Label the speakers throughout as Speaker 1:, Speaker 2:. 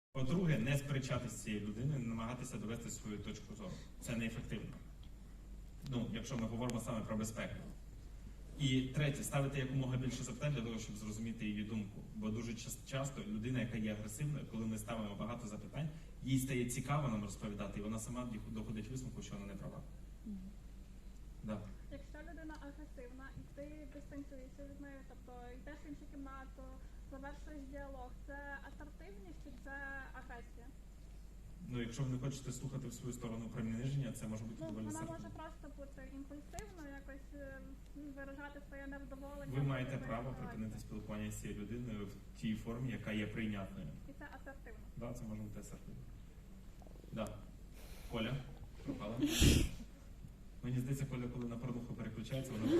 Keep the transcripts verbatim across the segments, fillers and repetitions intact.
Speaker 1: По-друге, не сперечатися з цією людиною, не намагатися довести свою точку зору. Це неефективно. Ну, якщо ми говоримо саме про безпеку. І третє, ставити якомога більше запитань для того, щоб зрозуміти її думку. Бо дуже часто людина, яка є агресивною, коли ми ставимо багато запитань, їй стає цікаво нам розповідати, і вона сама доходить висновку, що вона не права. Mm-hmm. Да.
Speaker 2: Якщо людина агресивна і ти дистанціюєшся від неї, тобто йдеш в іншу кімнату, завершуєш діалог, це асертивність чи це агресія?
Speaker 1: Ну, якщо ви не хочете слухати в свою сторону приниження, це може бути
Speaker 2: ну,
Speaker 1: доволі
Speaker 2: вона
Speaker 1: асертивно.
Speaker 2: Вона може просто бути імпульсивною, якось виражати своє невдоволення.
Speaker 1: Ви маєте право припинити спілкування з цією людиною в тій формі, яка є прийнятною.
Speaker 2: І це асертивно?
Speaker 1: Так, да, це може бути асертивно. Да. Коля, пропала. Мені здається, Коля, коли на порнуху переключається, вона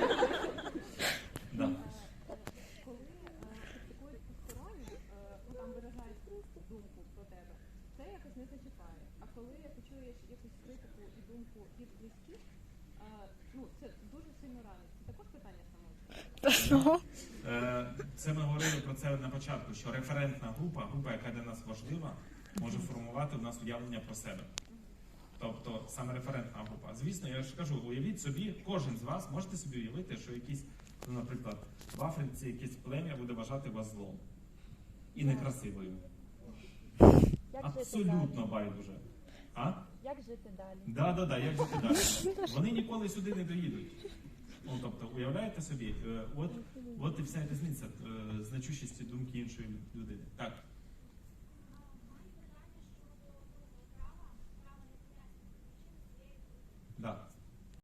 Speaker 1: да.
Speaker 3: Коли практикують посторонні, ну там виражають думку про тебе, це якось не зачіпає. А коли ти чуєш якусь критику і думку від близьких, ну це дуже сильно ранить. Це також питання самого.
Speaker 1: Це ми говорили про це на початку, що референтна група, група, яка для нас важлива, може формувати в нас уявлення про себе. Тобто саме референтна група. Звісно, я ж кажу, уявіть собі, кожен з вас можете собі уявити, що якийсь, ну, наприклад, в Африці якесь плем'я буде вважати вас злом. І некрасивою.
Speaker 4: Як
Speaker 1: абсолютно байдуже. А?
Speaker 4: Як жити далі?
Speaker 1: Да, да, да, як жити далі. Вони ніколи сюди не доїдуть. Ну, тобто, уявляєте собі, от, от і вся різниця значущості думки іншої людини. Так.